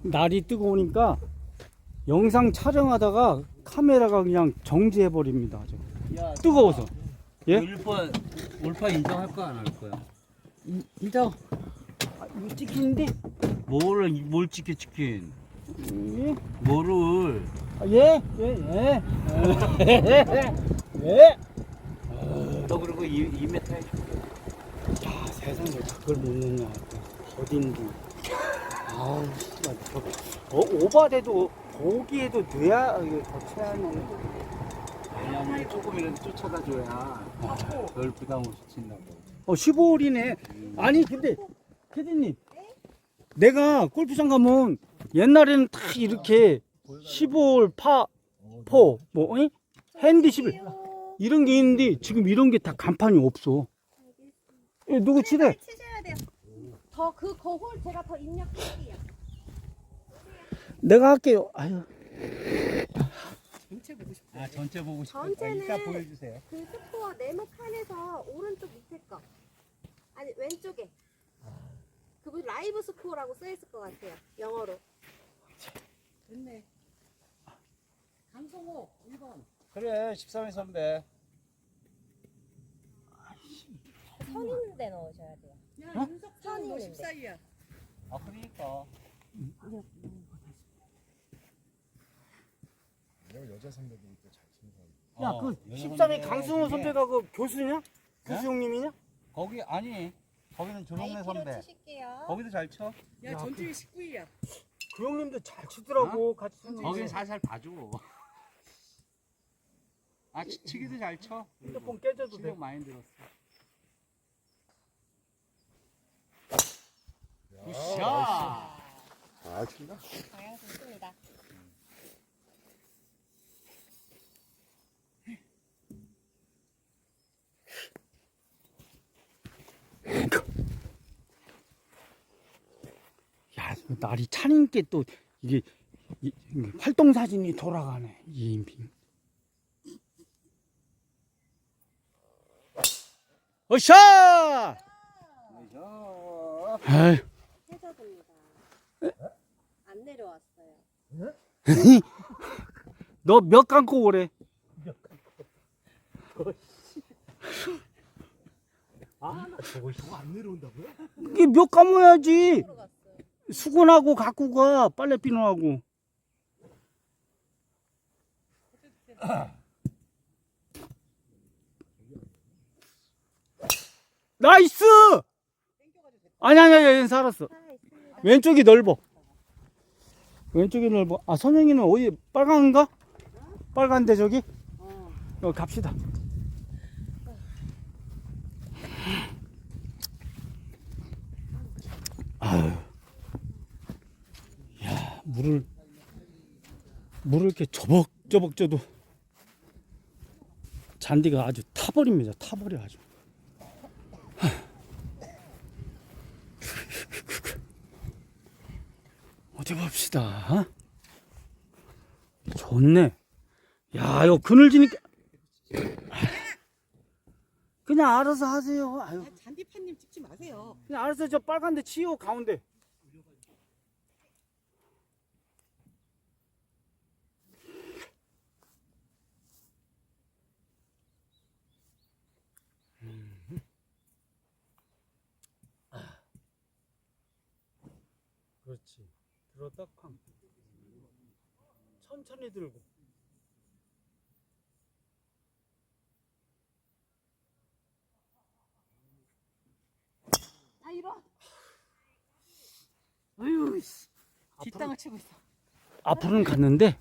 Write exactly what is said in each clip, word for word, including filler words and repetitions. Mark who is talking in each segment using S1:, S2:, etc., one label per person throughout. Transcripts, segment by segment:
S1: 날이 뜨거우니까 영상 촬영하다가 카메라가 그냥 정지해 버립니다.
S2: 야,
S1: 뜨거워서. 예?
S2: 올파 올파 인정할 거야 안 할 거야?
S1: 인정. 아, 이거 찍히는데?
S2: 뭐를 뭘 찍게 찍힌?
S1: 예?
S2: 뭐를?
S1: 아, 예? 예? 예? 예?
S2: 너 그리고 이 이 미터 해.
S1: 야, 세상에 그걸 못 넣냐. 어딘지. 아우, 씨발. 저, 어, 오바돼도 고기에도 넣어야 이게 더 체하는.
S2: 왜냐면 조금이라도 쫓아다 줘야 덜 부담 없이 친다고.
S1: 어, 십오 홀이네. 아니, 근데, 캐디님. 내가 골프장 가면 옛날에는 다 이렇게 십오 홀 파, 포, 뭐, 어이? 핸디 십일. 이런 게 있는데 지금 이런 게 다 간판이 없어. 예, 누구 치대?
S3: 치셔야 돼요. 더 그 거홀 제가 더 입력할게요.
S1: 내가 할게요. 아유.
S2: 전체 보고 싶어. 아 전체 보고 싶어.
S3: 전체는
S2: 이따 보여주세요.
S3: 그 스코어 네모 칸에서 오른쪽 밑에 거. 아니 왼쪽에. 그분 라이브 스코어라고 써 있을 것 같아요. 영어로.
S4: 됐네. 강성호 일 번.
S2: 그래 십삼 회 선배.
S3: 선 있는 데 넣으셔야 돼요.
S4: 야,
S1: 어?
S4: 윤석선
S3: 선이
S4: 너
S3: 있는데.
S4: 십사이야.
S2: 아 그러니까.
S5: 내가 여자 선배들이 또 잘 치는 사람.
S1: 야,
S2: 어,
S1: 그
S2: 여자
S1: 십삼 회
S2: 선배
S1: 강승호
S2: 중에
S1: 선배가 그 교수냐? 교수 형님이냐?
S2: 거기 아니 거기는 조성래 선배.
S3: 아이피로 치실게요.
S2: 거기도 잘 쳐.
S4: 야,
S1: 야,
S4: 전주희 십구이야.
S1: 그 형님도 잘 치더라고. 같이 치는 거.
S2: 거긴 살살 봐줘. 아 치, 치기도 잘 쳐.
S1: 핸드폰 깨져도 돼.
S2: 실력 많이 들었어. 굿샷.
S5: 아, 친다.
S3: 방향 좋습니다.
S1: 야, 날이 차니까 또 이게 이, 이 활동 사진이 돌아가네. 이인핑. 어샤! 아이,
S3: 해저드입니다. 안 내려왔어요.
S1: 너 몇 감고 오래?
S5: 아, 나 저거 저거 안 내려온다고요?
S1: 이게 몇 감아야지.
S3: 들어갔어요.
S1: 수건하고 갖고 가. 빨래 비누하고. 나이스! 아니, 아니, 아니, 얘는 살았어.
S3: 살아 있습니다.
S1: 왼쪽이 넓어. 왼쪽이 넓어. 아, 선영이는 어디, 빨간가? 빨간데, 저기?
S4: 어.
S1: 어, 갑시다. 아유. 야, 물을, 물을 이렇게 저벅저벅 쪄도 잔디가 아주 타버립니다. 타버려, 아주. 어디 봅시다. 좋네. 야, 이거 그늘지니까. 그냥 알아서 하세요. 아유,
S4: 아, 잔디파님 찍지 마세요.
S1: 그냥 알아서 저 빨간 데 치요, 가운데. 음. 아. 그렇지. 들었다 쾅. 천천히 들고.
S4: 아, 이런. 아유, 씨. 뒷땅을 치고 있어.
S1: 앞으로는 갔는데.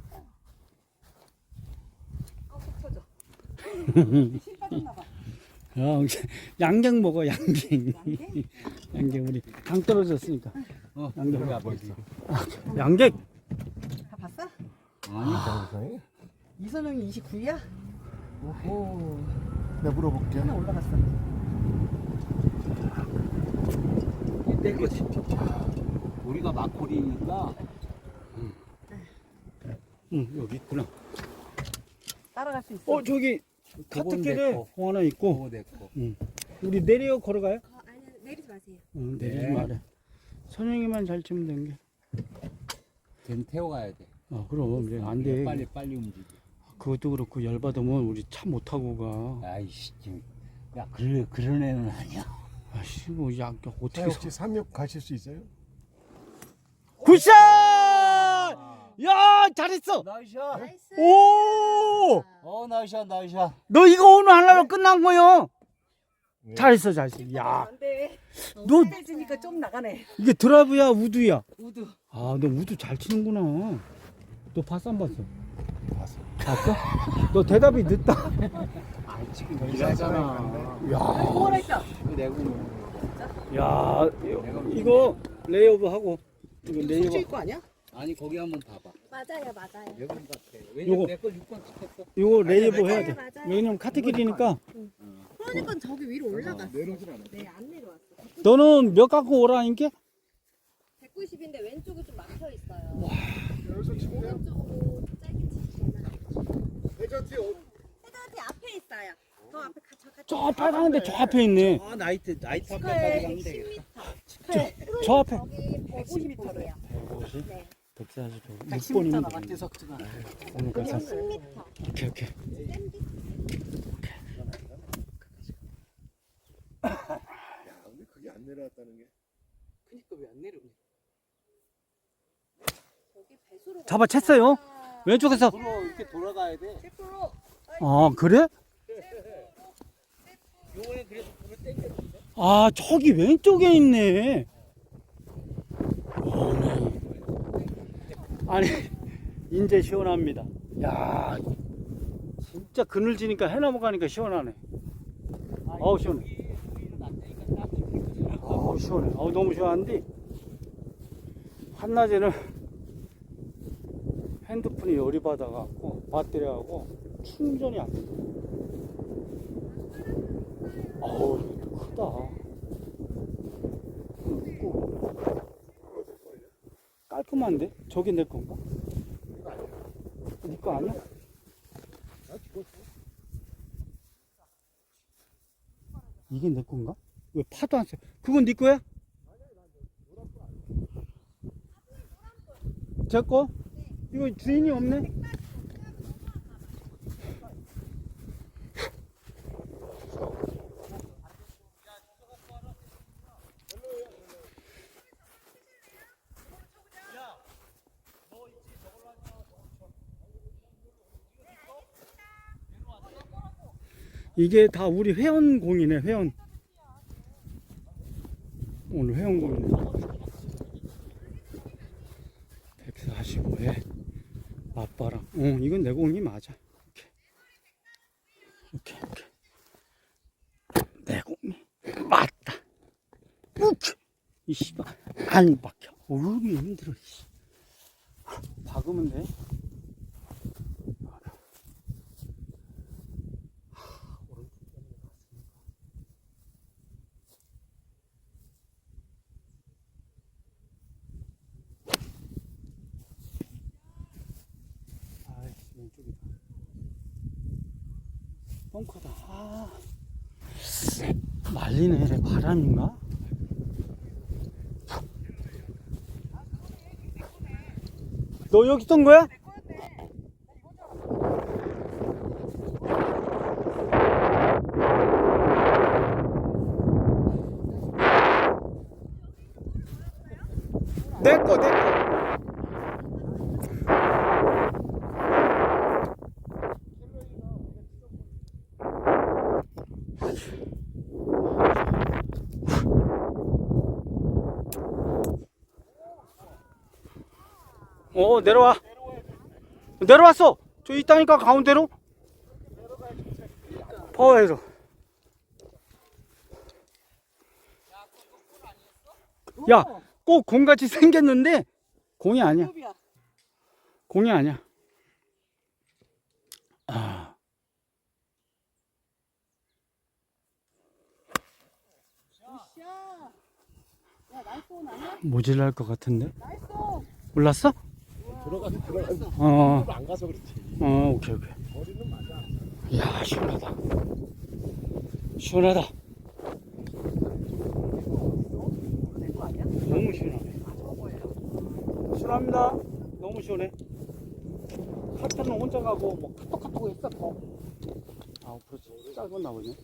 S4: 아, 속 터져. 실 빠졌나 봐.
S1: 어, 양갱 먹어, 양갱.
S4: 양갱?
S1: 양갱 우리 당 떨어졌으니까.
S2: 어,
S1: 양갱
S2: 여기
S1: 먹고
S2: 앞에
S1: 있어.
S2: 있어.
S1: 양갱.
S4: 다 봤어?
S2: 아니,
S5: 이상해?
S4: 이선영이 이십구이야? 오호.
S5: 내가 물어볼게.
S4: 하나 올라갔어. 내 거지.
S2: 우리가 막골이니까
S1: 응, 여기 있구나.
S4: 따라갈 수 있어.
S1: 어, 저기
S2: 그건 내
S1: 카트길에
S2: 거.
S1: 공 하나 있고.
S2: 그거 내 거.
S1: 응. 우리 내려 걸어가요?
S3: 거, 아니 내리지 마세요.
S1: 응, 내리지
S2: 네.
S1: 말해. 선영이만 잘 치면 되는 게.
S2: 걔는 태워가야 돼.
S1: 아, 그럼 이제 안 돼.
S2: 빨리 빨리 움직여.
S1: 그것도 그렇고 열 받으면 우리 차 못 타고 가.
S2: 아이씨, 야 그래 그런 애는 아니야.
S1: 아씨 뭐 야, 어떻게
S5: 자, 혹시 삼육 가실 수 있어요?
S1: 굿샷! 야, 잘했어.
S2: 나이샤.
S3: 나이스.
S1: 오!
S2: 어 나이샤 나이샤.
S1: 너 이거 오늘 하나로 끝난 거요.
S5: 네.
S1: 잘했어, 잘했어. 야,
S4: 안 돼.
S1: 너
S4: 세지니까 좀 나가네.
S1: 이게 드라이브야, 우드야?
S4: 우드.
S1: 아, 너 우드 잘 치는구나. 너 봤어, 안 봤어?
S5: 봤어.
S1: 봤어? 너 대답이 늦다.
S2: 아 지금 일하잖아.
S1: 야,
S4: 뭐라 했어?
S2: 그 내고
S1: 야, 이거, 이거 레이오브 하고 이거
S4: 숙주
S1: 레이오브.
S4: 입고 아니야?
S2: 아니 거기 한번 봐봐.
S3: 맞아요, 맞아요.
S2: 여기 같아.
S1: 요거.
S2: 왜냐면 내걸 육 번 찍혔어.
S1: 이거 레이오브
S3: 맞아요,
S1: 해야 돼.
S3: 맞아요.
S1: 왜냐면 카트길이니까.
S3: 그러니까 저기 위로 올라갔어.
S5: 내려오진 않아.
S3: 네, 안 내려왔어.
S1: 너는 몇 갖고 오라니까?
S3: 백구십인데 왼쪽이 좀 막혀 있어요.
S5: 여기서 치면 돼요?
S3: 오른쪽으로 짧게 치시면
S5: 회전티 어-
S3: 헤드한테 앞에 있어요. 더 앞에 가, 저, 가,
S1: 저 빨간데 저 앞에 있네.
S2: 아 나이트 나이트
S3: 스컬
S2: 앞까지 가면
S3: 십
S2: 되겠다.
S3: 미터.
S1: 저 앞에.
S3: 저기 백오십 미터예요.
S1: 백오십?
S3: 네.
S1: 백사십, 육
S4: 백십
S1: 번이면
S4: 미터
S1: 되겠네.
S4: 나갔대 석주가.
S1: 그러니까 사-
S3: 십 미터.
S1: 오케이, 오케이.
S5: 야, 근데 그게 안 내려왔다는 게.
S4: 그니까 왜 안 내려오냐?
S3: 저기 배수로
S1: 잡아 챘어요. 왼쪽에서.
S2: 앞으로 이렇게 돌아가야 돼.
S1: 아, 그래?
S2: 요번에 그래서 불을 땡겼는데.
S1: 아, 저기 왼쪽에 있네. 어, 네. 아니, 이제 시원합니다. 야, 진짜 그늘지니까 해나무 가니까 시원하네. 어우, 시원해. 어우, 시원해. 어우, 너무 시원한데. 한낮에는 핸드폰이 열이 받아갖고 배터리하고 충전이 안 돼. 어우, 크다. 크고. 깔끔한데? 저게 내 건가? 네 거 아니야? 이게 내 건가? 왜 파도 안 써? 그건 네 거야? 제 거? 이거 주인이 없네? 이게 다 우리 회원공이네, 회원. 오늘 회원공이네. 백사십오에 아빠랑. 어, 이건 내 공이 맞아. 오케이, 오케이, 오케이. 내 공이 맞다. 우키! 이 씨발, 안 박혀. 어우, 힘들어, 씨. 박으면 돼. 아이씨, 왼쪽이다. 벙커다. 아, 말리네. 바람인가? 너 여기 있던 거야? 내 거, 내 거. 어, 내려와. 내려왔어. 저 있다니까, 가운데로. 파워에서. 야, 꼭 공같이 생겼는데 공이 아니야. 공이 아니야. 아. 모질랄 것 같은데? 몰랐어?
S5: 들어가서 들어가서
S1: 어,
S5: 안 가서 그렇지.
S1: 어, 오케이, 오케이.
S5: 머리는 맞아.
S1: 이야, 시원하다. 시원하다. 너무 시원하네. 시원합니다. 너무 시원해. 카트는 혼자 가고 뭐 카톡카톡 했어. 아, 그렇지. 짧았나 보네.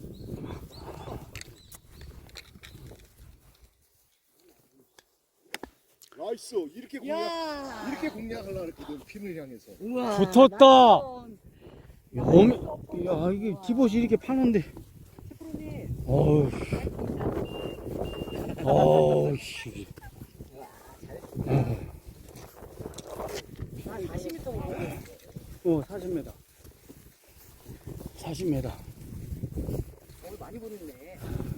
S5: 나이스. 이렇게 공략 이렇게 공략하려고 했거든. 핀을 향해서.
S4: 우와.
S1: 붙었다.
S4: 나이스.
S1: 야, 어미, 야, 이게 디봇이 이렇게 파는데.
S4: 프로님.
S1: 어우, 어우, 씨.
S4: 한 사십 미터 오고.
S1: 어, 사십 미터. 사십 미터.
S4: 오늘 많이 보냈네.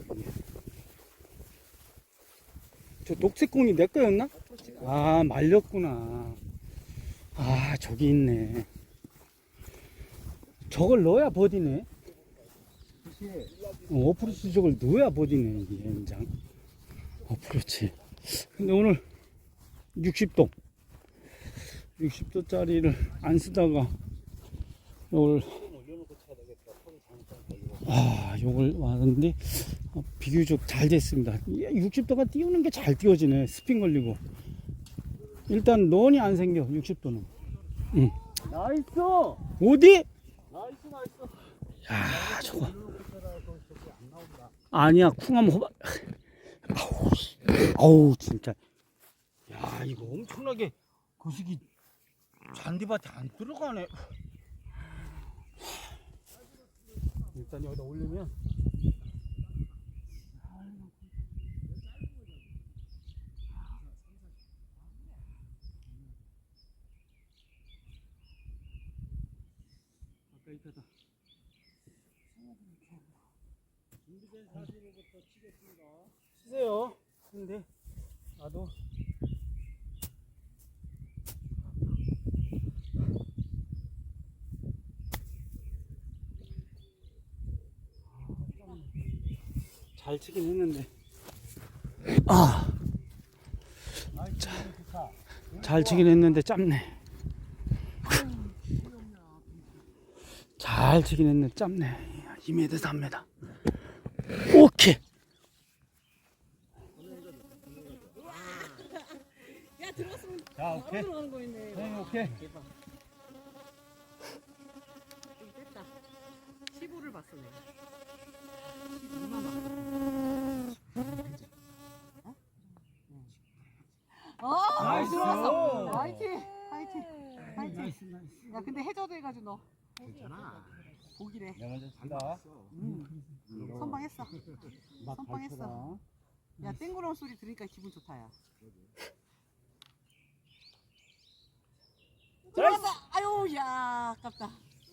S1: 저 녹색 공이 내 거였나? 아, 말렸구나. 아, 저기 있네. 저걸 넣어야 버디네. 어, 어프로치 저걸 넣어야 버디네, 이게, 연장. 어프로치. 근데 오늘 육십 도. 육십 도짜리를 안 쓰다가, 요걸, 아, 요걸 왔는데, 어, 비교적 잘 됐습니다. 육십 도가 띄우는 게 잘 띄워지네. 스핀 걸리고. 일단 런이 안 생겨, 육십 도는. 응.
S2: 나이스.
S1: 어디?
S2: 나이스 나이스.
S1: 야, 저거. 아니야, 쿵하면 호박. 아우, 씨. 아우, 진짜. 야, 이거 엄청나게 거시기 잔디밭에 안 들어가네. 일단 여기다 올리면. 아까 이거다. 준비된 사진부터 치겠습니다. 치세요. 근데 나도 잘 치긴 했는데 아, 자, 잘 치긴 했는데 짧네. 잘 치긴 했는데 짧네. 이 미터 삼 미터. 오케이.
S4: 야, 들어갔으면
S1: 자,
S4: 바로
S1: 오케이.
S4: 들어가는 거였네.
S1: 네, 오케이.
S4: 대박. 좀 뺐다. 십오를 봤어, 내가. 십이만 어? 어,
S1: 나이스.
S4: 들어갔어. 화이팅, 화이팅, 화이팅.
S1: 나이스, 나이스.
S4: 야, 근데 해저도 해가지고 너
S2: 괜찮아.
S4: 보기래.
S1: 내가 먼저 친다.
S4: 선방했어.
S1: 막
S4: 선빵했어.
S1: 발표다.
S4: 야, 땡그런 소리 들으니까 기분 좋다, 야. 들어갔다. 아유, 야, 아깝다.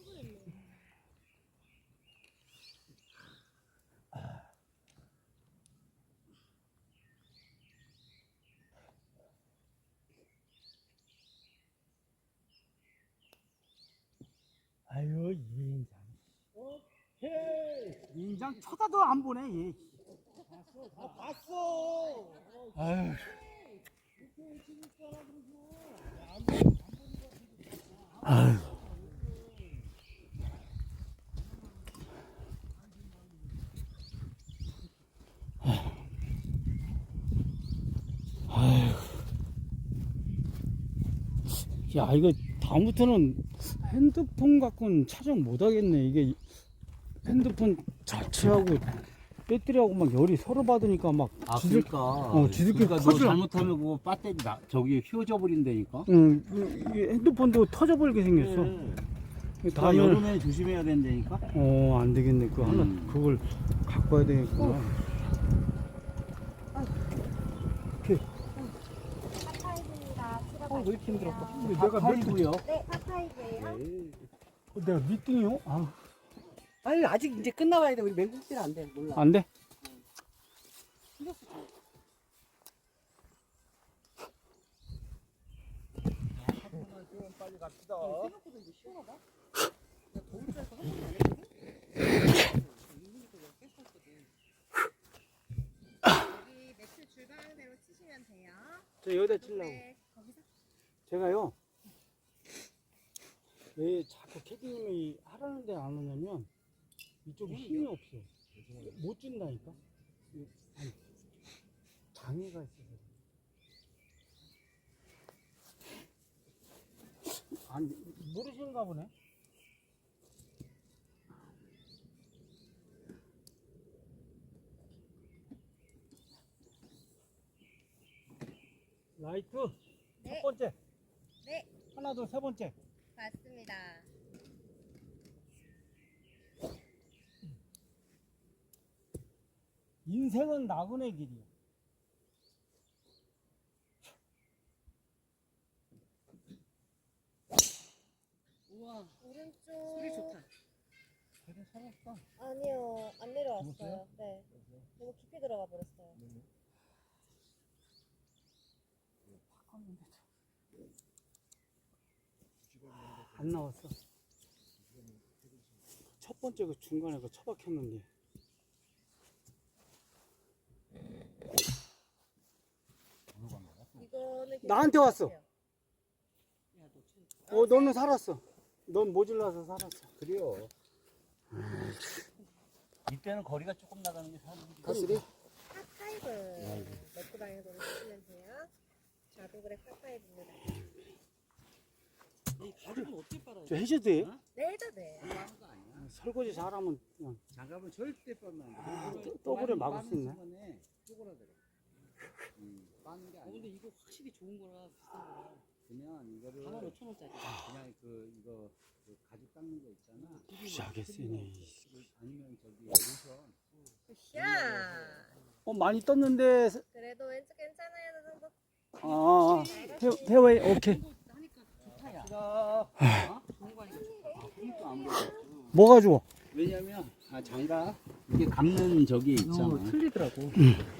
S1: 아유, 이인장. 오케이. 이인장 쳐다도 안 보네, 얘.
S5: 아 봤어.
S1: 아유. 아유. 아유. 야, 이거 다음부터는 핸드폰 갖고는 촬영 못 하겠네. 이게 핸드폰 자체하고 배터리하고 막 열이 서로 받으니까 막
S2: 아
S1: 지들-
S2: 그러니까.
S1: 어, 지들끼리
S2: 그러니까 너
S1: 퍼즐-
S2: 잘못하면 그거 배터리 나 저기 휘어져 버린다니까.
S1: 응, 이게 핸드폰도 터져버리게 생겼어.
S2: 다
S1: 다음에
S2: 여름에 조심해야 된다니까.
S1: 어, 안 되겠네. 그 하나
S2: 음.
S1: 그걸 갖고 와야 되겠구나.
S3: 파파이브입니다.
S4: 어, 왜 이렇게 힘들었어?
S1: 근데 내가 몇 등?
S2: 파이브요.
S3: 네, 파파이브예요.
S1: 어, 내가 몇 등이요? 아,
S4: 아유, 아직 이제 끝나봐야 돼. 우리 맹국질 안 돼. 몰라.
S1: 안 돼?
S4: 생각보다 이제 시원하다. 나 더울 줄 알고
S3: 여기 매트 줄방대로 치시면 돼요.
S1: 저 여기다 치려고.
S3: 네, 거기서
S1: 제가요. 왜 자꾸 캐디님이 하라는데 안 오냐면 이쪽에 힘이 없어. 못 준다니까. 이- 아니, 장애가 있어서. 아니, 모르시는가 보네. 라이트
S3: 네.
S1: 첫 번째.
S3: 네.
S1: 하나 둘 세 번째.
S3: 맞습니다.
S1: 인생은 나그네 길이야.
S4: 우와,
S3: 오른쪽.
S4: 소리 좋다.
S1: 되게 살았어.
S3: 아니요, 안 내려왔어요.
S1: 죽었어요?
S3: 네. 너무 깊이 들어가 버렸어요.
S1: 안 나왔어. 첫 번째 그 중간에 그 처박혔는데.
S3: 이거는
S1: 나한테 왔어.
S3: 괜찮을 것
S4: 야, 너 참-
S1: 어, 너는 살았어. 넌 모질라서 살았어.
S2: 그래요. 이때는 거리가 조금 나가는 게 사는 게.
S5: 파스리?
S3: 파파이브 넣고 다니는 거 쓰시면 돼요. 자동그래 파파이브입니다.
S4: 이 가죽은 어떻게 빨아요?
S1: 저 해줘도 돼요?
S3: 네, 해도 돼.
S2: 하는 거 아니야.
S1: 설거지 잘하면 그냥
S2: 장갑은 절대 빠면 안 돼.
S1: 더블에 막을 수 있네.
S2: 순간에 쪼그라들어. 음, 빠는 게
S4: 어, 근데
S2: 아니야.
S4: 이거 확실히 좋은 거라 비싼 거라.
S2: 그냥 이거를
S4: 사만 오천 원짜리.
S2: 그냥 그 이거 그 가죽 닦는 거 있잖아.
S1: 무지하게 세네.
S2: 아니면 저기 로션.
S3: 굿샷.
S1: 어, 많이 떴는데.
S3: 그래도 왼쪽 괜찮아요, 저 정도.
S1: 아, 아, 아. 페어웨이, 오케이.
S4: 이거 하니까 좋다, 야. 어? 좋은 거 하니까 좋다.
S2: 그러니까 안 보여.
S1: 뭐가 좋아?
S2: 왜냐면 아 장갑 이게 감는 저기 있잖아.
S4: 어, 틀리더라고.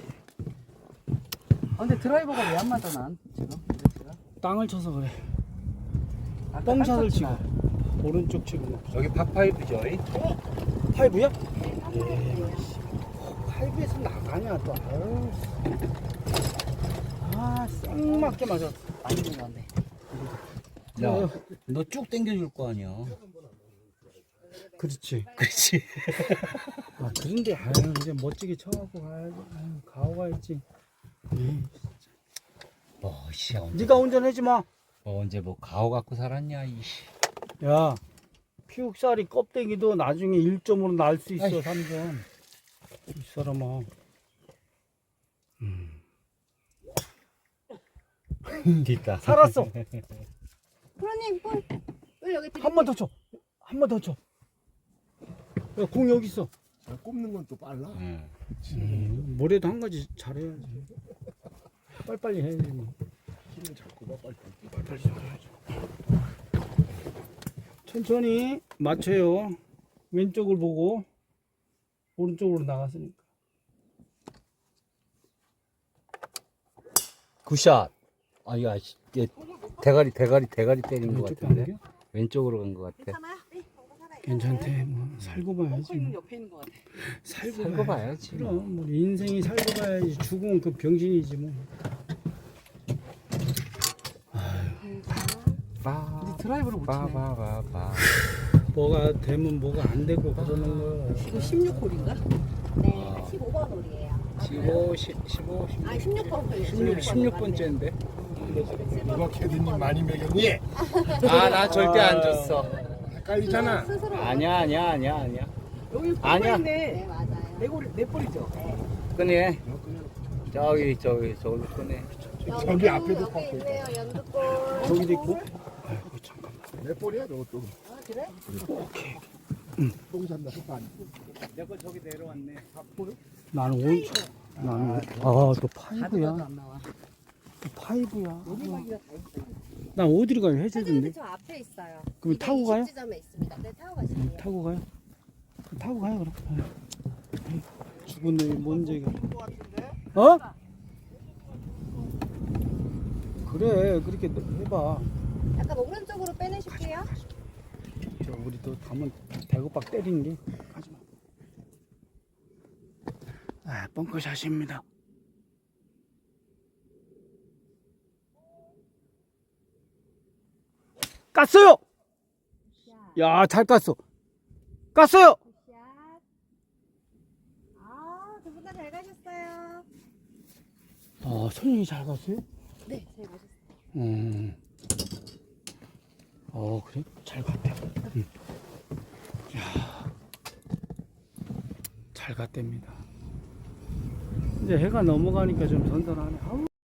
S4: 아, 근데 드라이버가 왜 안 맞아, 난 지금? 이랬어요?
S1: 땅을 쳐서 그래.
S4: 아까
S1: 뻥샷을 치고.
S4: 땄었지만.
S1: 오른쪽 치고.
S2: 저기 파파이브죠.
S1: 파이브야? 예. 파이브에서 나가냐, 또. 아유. 아, 쌩맞게 맞아.
S4: 많이 들어갔네.
S2: 야, 너 쭉 당겨줄 거 아니야.
S1: 그렇지.
S2: 그렇지.
S1: 아, 그런데, 아유, 이제 멋지게 쳐갖고 가야지. 아유, 가오 가야지. 에이,
S2: 어, 씨, 언제,
S1: 네가 운전하지 마.
S2: 어, 언제 뭐 가오 갖고 살았냐, 이씨.
S1: 야, 피육살이 껍데기도 나중에 일 점으로 날 수 있어, 삼 점. 이 사람아. 음.
S2: 됐다.
S1: 살았어.
S3: 프로님, 볼. 볼 여기 드릴게요.
S1: 한 번 더 쳐. 한 번 더 쳐. 야, 공 여기 있어.
S5: 아, 꼽는 건 또 빨라.
S2: 응.
S1: 음, 뭐래도 한 가지 잘해야지. 빨리빨리 해야지. 뭐.
S5: 힘을 잡고 봐 빨리.
S1: 빨리 잘해야지. 천천히 맞춰요. 왼쪽을 보고 오른쪽으로 나갔으니까.
S2: 굿샷. 아, 이거 아시- 이게 대가리, 대가리, 대가리 때린 것
S1: 왼쪽
S2: 같은데.
S1: 가는 게?
S2: 왼쪽으로 간 것 같아.
S3: 괜찮아요? 네, 정도 살아요.
S1: 괜찮대. 뭐 살고 봐야지.
S4: 꺾고 있는
S1: 뭐.
S4: 옆에 있는 거 같아.
S1: 살고,
S2: 살고 봐야지.
S1: 그럼 뭐 인생이 살고 봐야지. 죽으면 그 병신이지 뭐.
S2: 빠,
S4: 근데 드라이버를 못 치네.
S2: 빠바바바.
S1: 뭐가 되면 뭐가 안 되고 그러는 거야.
S4: 이거 십육 홀인가?
S3: 네, 십오 번 홀이에요.
S2: 십오, 십오,
S3: 아, 십육 번 홀이에요.
S2: 십육, 십육 번째인데.
S5: 누가 캐디님 많이 먹였니?
S2: 아, 나 절대 안 줬어.
S5: 헷갈리잖아.
S3: 스스로.
S2: 아니야, 아니야, 아니야, 아니야.
S4: 여기
S2: 아니야.
S4: 네
S3: 네, 맞아요.
S4: 네 홀, 네 홀이죠?
S2: 끄네. 저기, 저기, 저기 끄네.
S5: 저기 앞에도
S3: 여기
S5: 꺾고
S3: 있네요, 연두골.
S1: 저기도 있고. 아이고 잠깐.
S5: 몇 볼이야 저것도.
S3: 아, 그래?
S5: 똥 산다 반.
S2: 내거 저기 내려왔네.
S1: 나는 오. 나는 아또 파이브야.
S4: 가져가도 안 나와.
S1: 또 파이브야.
S4: 여기가기가 다 있어.
S1: 나 어디로 가요?
S3: 사장님들
S1: 해주던데.
S3: 저 앞에 있어요.
S1: 그럼 타고 가요?
S3: 지점에 있습니다. 네, 타고
S1: 응,
S3: 가시면 돼요.
S1: 타고 가요. 그럼 타고 가요 그럼. 아유, 죽은 놈이 뭔 얘기야? 어? 그래 그렇게 해봐.
S3: 약간 오른쪽으로 빼내실게요.
S1: 저 우리 또 가면 대구박 때리는 게 가지마. 아 벙커샷입니다. 깠어요. 야 잘 깠어. 깠어요.
S3: 굿샷. 아, 두 분 다 잘 가셨어요.
S1: 아 손님이 잘 갔어요?
S3: 네, 잘 가셨어요.
S1: 음. 아 어, 그래? 잘 갔대. 응. 야, 잘 갔답니다. 이제 해가 넘어가니까 좀 선선하네. 아우.